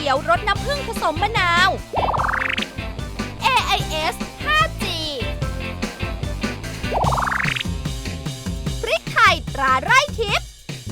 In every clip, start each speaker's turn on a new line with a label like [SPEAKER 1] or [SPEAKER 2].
[SPEAKER 1] ขียวรสน้ำผึ้งผสมมะนาว AIS 5G พริกไทยตราไร่ทิพย์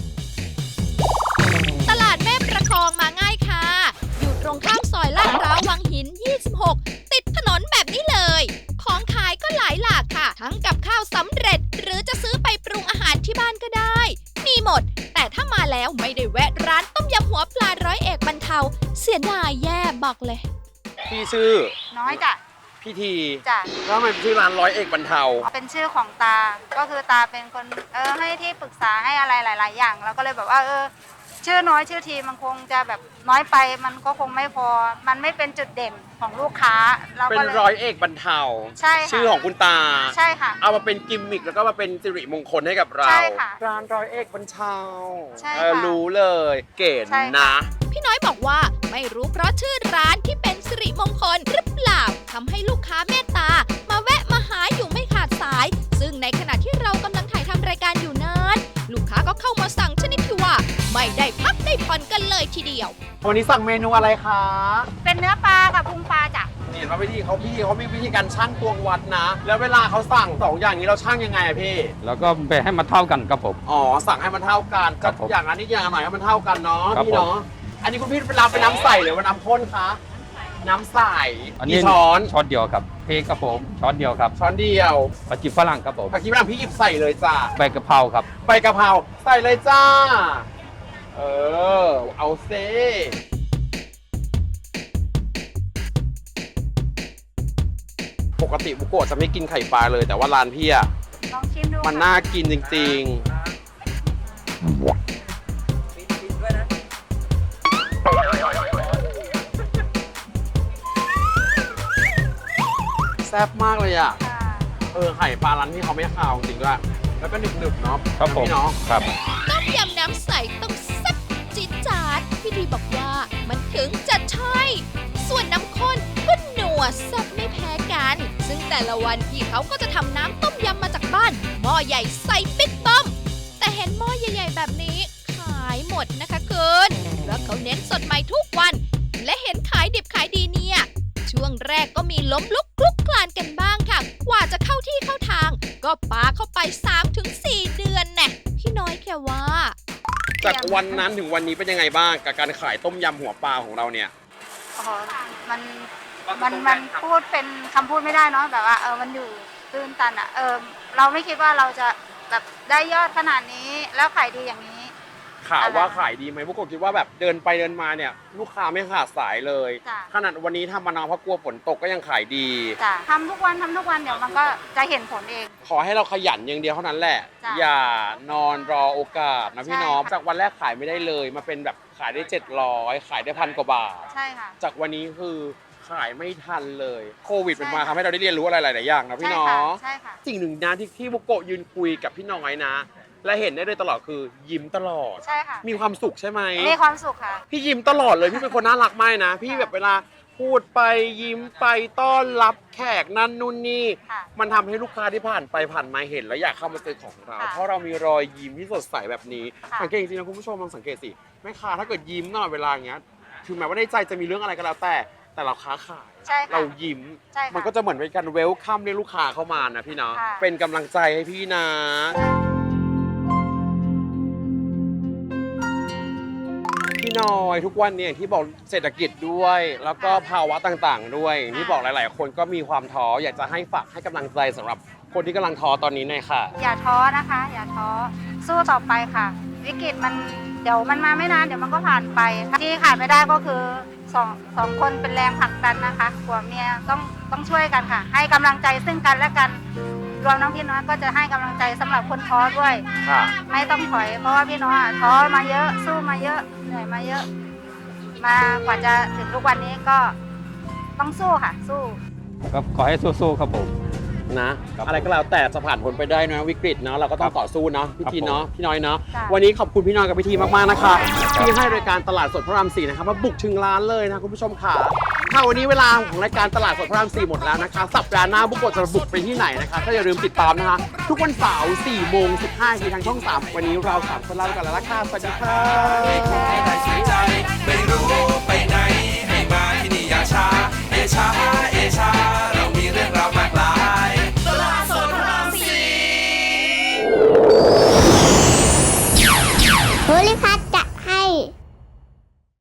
[SPEAKER 1] ตลาดแม่ประคองมาง่ายค่ะ อยู่ตรงข้ามซอยลาดพร้าววังหิน 26 ติดถนนแบบนี้เลย ของขายก็หลายหลากค่ะ ทั้งกับข้าวสำเร็จ หรือจะซื้อไปปรุงอาหารที่บ้านก็ได้ มีหมด แต่ถ้ามาแล้วไม่ได้แวะร้านต้มยำหัวปลาร้อยเอกบรรเทา เสียดายแย่บอกเลย
[SPEAKER 2] พี่ชื่อ
[SPEAKER 3] น้อยจ้ะ
[SPEAKER 2] พี่ที
[SPEAKER 3] จ้ะ
[SPEAKER 2] แล้วทำไมชื่อร้านร้อยเอกบรรเทา
[SPEAKER 3] เป็นชื่อของตา ก็คือตาเป็นคนให้ที่ปรึกษาให้อะไรหลาย ๆ อย่างเราก็เลยแบบว่าชื่อน้อยชื่อทีมันคงจะแบบน้อยไปมันก็คงไม่พอ มันไม่เป็นจุดเด่นของลูกค้าเรา
[SPEAKER 2] เป็
[SPEAKER 3] ก็
[SPEAKER 2] น
[SPEAKER 3] เลย
[SPEAKER 2] ร้อยเอกบรรเทา
[SPEAKER 3] ใช่ค่ะ
[SPEAKER 2] ชื่อของคุณตา
[SPEAKER 3] ใช่ค่ะ
[SPEAKER 2] เอามาเป็นกิมมิคแล้วก็มาเป็นสิริมงคลให้กับเรา
[SPEAKER 3] ใช่ค่ะ
[SPEAKER 2] ร้านร้อยเอกบรรเทา
[SPEAKER 3] ใช่ค่ะ
[SPEAKER 2] รู้เลยเก๋
[SPEAKER 3] ใช่ค่ะ
[SPEAKER 2] นะ
[SPEAKER 1] พี่น้อยบอกว่าไม่รู้เพราะชื่อร้านที่เป็นสิริมงคลหรือเปล่าทำให้ลูกค้าเมตตา มาแวะมาหาอยู่ไม่ขาดสาย ซึ่งในขณะที่เรากำลังถ่ายทำรายการอยู่นั้นลูกค้าก็เข้ามาสั่งชนิดที่ว่า ไม่ได้พักได้ผ่อนกันเลยทีเดียว
[SPEAKER 2] วันนี้สั่งเมนูอะไรคะ
[SPEAKER 3] เป็นเนื้อปลากับพุงปลาจ้ะ
[SPEAKER 2] นี่เห็นว่าพี่เขามีวิธีการชั่งตวงวัดนะ แล้วเวลาเขาสั่งสองอย่างนี้เราชั่งยังไงอะพี่
[SPEAKER 4] แล้วก็ไปให้มันเท่ากันครับผม
[SPEAKER 2] อ๋อสั่งให้มันเท่ากัน
[SPEAKER 4] ครับผม
[SPEAKER 2] อย่างนั้นนิดอย่างหน่อยให้มันเท่ากันเนาะ
[SPEAKER 4] ครับ
[SPEAKER 2] พี่เนาะอันนี้คุณพี่เป็นน้ำใสหรือว่าน้ำข้นคะน้ำใส
[SPEAKER 4] อันนี้
[SPEAKER 2] กี่ช้อน
[SPEAKER 4] ช้อนเดียวครับเพกครับผมช้อนเดียวครับ
[SPEAKER 2] ช้อนเดียว
[SPEAKER 4] ผักชีฝรั่งครับผม
[SPEAKER 2] ผักชีฝรั่งพี่หยิบใส่เลยจ้า
[SPEAKER 4] ใบกะเพราครับ
[SPEAKER 2] ใบกะเพราใส่เลยจ้าเอาเซปกติบุโกะจะไม่กินไข่ปลาเลยแต่ว่าร้านพี่อะ
[SPEAKER 3] ลองชิมดู
[SPEAKER 2] มัน
[SPEAKER 3] ค่ะ
[SPEAKER 2] น่ากินจริงๆแซ่บมากเลยอ่ะ
[SPEAKER 3] ค่ะ
[SPEAKER 2] ไข่ปลาร้านที่เขาไม่คาวจริงด้วยแล้วก็หนึบๆเนาะ
[SPEAKER 4] ครับผม
[SPEAKER 2] พี่เนาะ
[SPEAKER 4] ครับ
[SPEAKER 1] ต้มยำน้ำใสต้องแซ่บจี๊ดจ๊าดพี่ดีบอกว่ามันถึงจะใช่ ส่วนน้ำข้นก็หนัวแซ่บไม่แพ้กัน ซึ่งแต่ละวันพี่เขาก็จะทำน้ำต้มยำมาจากบ้านหม้อใหญ่ใส่ปิ๊กต้ม แต่เห็นหม้อใหญ่ๆแบบนี้ขายหมดนะคะคุณเพราะเขาเน้นสดใหม่ทุกวัน และเห็นขายดิบขายดีเนี่ยช่วงแรกก็มีล้มลุกคลุกคลานกันบ้างค่ะ กว่าจะเข้าที่เข้าทาง ก็ปาเข้าไป 3-4 เดือนแน่พี่น้อยแค่ว่า
[SPEAKER 2] จากวันนั้นถึงวันนี้เป็นยังไงบ้างกับการขายต้มยำหัวปลาของเราเนี่ย
[SPEAKER 3] อ๋อมันพูดเป็นคำพูดไม่ได้เนาะแบบว่ามันอยู่ตื้นตันอ่ะเราไม่คิดว่าเราจะแบบได้ยอดขนาดนี้แล้วขายดีอย่างนี้
[SPEAKER 2] ข่าวว่าขายดีไหมพวกผมคิดว่าแบบเดินไปเดินมาเนี่ยลูกค้าไม่ขาดสายเลย
[SPEAKER 3] จ้ะ
[SPEAKER 2] ขนาดวันนี้ทำมานานเพราะกลัวฝนตกก็ยังขายดี
[SPEAKER 3] จ้ะทำทุกวันเดี๋ยวมันก็จะเห็นผลเอง
[SPEAKER 2] ขอให้เราขยันอย่างเดียวเท่านั้นแหละ
[SPEAKER 3] จ้ะ
[SPEAKER 2] อย่านอนรอโอกาสนะพี่น้อง
[SPEAKER 3] ใช่ค่ะ
[SPEAKER 2] จากวันแรกขายไม่ได้เลยมาเป็นแบบขายได้700ขายได้1,000 กว่าบาท
[SPEAKER 3] ใช่ค่ะ
[SPEAKER 2] จากวันนี้คือขายไม่ทันเลยโควิดเป็นมา
[SPEAKER 3] ใช่ค่ะ
[SPEAKER 2] ทำให้เราได้เรียนรู้อะไรหลายๆอย่างนะพี่
[SPEAKER 3] ใช่
[SPEAKER 2] น้อ
[SPEAKER 3] ค่ะ
[SPEAKER 2] ง
[SPEAKER 3] ใช่ค่ะ
[SPEAKER 2] สิ่งหนึ่งนะที่บุโกะยืนคุยกับพี่น้อยนะ และเห็นได้เลยตลอดคือยิ้มตลอด
[SPEAKER 3] ใช่ค่ะ
[SPEAKER 2] มีความสุขใช่ไหม
[SPEAKER 3] มีความสุขค่ะ
[SPEAKER 2] พี่ยิ้มตลอดเลยพี่เป็นคนน่ารักมากนะ พี่แบบเวลาพูดไปยิ้มไปต้อนรับแขกนั่นนู่นนี่
[SPEAKER 3] ค่ะ
[SPEAKER 2] มันทำให้ลูกค้าที่ผ่านไปผ่านมาเห็นแล้วอยากเข้ามาซื้อของเรา
[SPEAKER 3] ค่ะ
[SPEAKER 2] เพราะเรามีรอยยิ้มที่สดใสแบบนี้
[SPEAKER 3] ค่ะ
[SPEAKER 2] สังเกตจริงๆนะคุณผู้ชมลองสังเกตสิแม่ค้าถ้าเกิดยิ้มตลอดเวลาอย่างเงี้ยถึงแม้ว่าในใจจะมีเรื่องอะไรก็แล้วแต่เราค้าขาย
[SPEAKER 3] ใช่ค่ะ
[SPEAKER 2] เรายิ้ม
[SPEAKER 3] ใช่ค่ะ
[SPEAKER 2] มันก็จะเหมือนเป็นการเวลคัมเรียกลูกค้าเข้ามานะพี่เนาะ
[SPEAKER 3] ค่ะ
[SPEAKER 2] เป็นกำลังใจให้พี่นะ พี่น้อยทุกวันเนี่ยอย่างที่บอกเศรษฐกิจด้วย แล้วก็ภาวะต่างๆ ด้วยอย่างที่บอกหลายๆ คนก็มีความท้ออยากจะให้ฝากให้กำลังใจสำหรับคนที่กำลังท้อตอนนี้หน่อยค่ะ
[SPEAKER 3] อย่าท้อนะคะ อย่าท้อสู้ต่อไปค่ะ วิกฤตมันเดี๋ยวมันมาไม่นานเดี๋ยวมันก็ผ่านไปที่ขาดไม่ได้ก็คือสองคนเป็นแรงผลักดันนะคะผัวเมียต้องช่วยกันค่ะ ให้กำลังใจซึ่งกันและกันรวมน้องพี่น้อยก็จะให้กำลังใจสำหรับคนท้อด้วย
[SPEAKER 2] ค่ะ
[SPEAKER 3] ไม่ต้องถอยเพราะว่าพี่น้อยท้อมาเยอะสู้มาเยอะเหนื่อยมาเยอะ มากว่าจะถึงทุกวันนี้ก็ต้องสู้ค่ะ สู้
[SPEAKER 4] ก็ขอให้สู้ๆครับผม
[SPEAKER 2] นะครับ อะไรก็แล้วแต่จะผ่านพ้นไปได้นะวิกฤตเนาะเราก็ต้องต่อสู้เนาะพี่ทีเนาะพี่น้อยเนาะ
[SPEAKER 3] ค่ะ
[SPEAKER 2] วันนี้ขอบคุณพี่น้อยกับพี่ทีมากๆนะคะที่ให้รายการตลาดสดพระราม4นะครับมาบุกถึงร้านเลยนะคุณผู้ชมค่ะถ้าวันนี้เวลาของรายการตลาดสดพระราม4หมดแล้วนะคะสัปดาห์หน้าบุกโกะจะบุกไปที่ไหนนะคะก็อย่าลืมติดตามนะคะทุกวันเสาร์4 โมง 15 นาทีทางช่อง 3 วันนี้เรา3 คนลาไปก่อนแล้วละค่ะสวัสดีค่ะ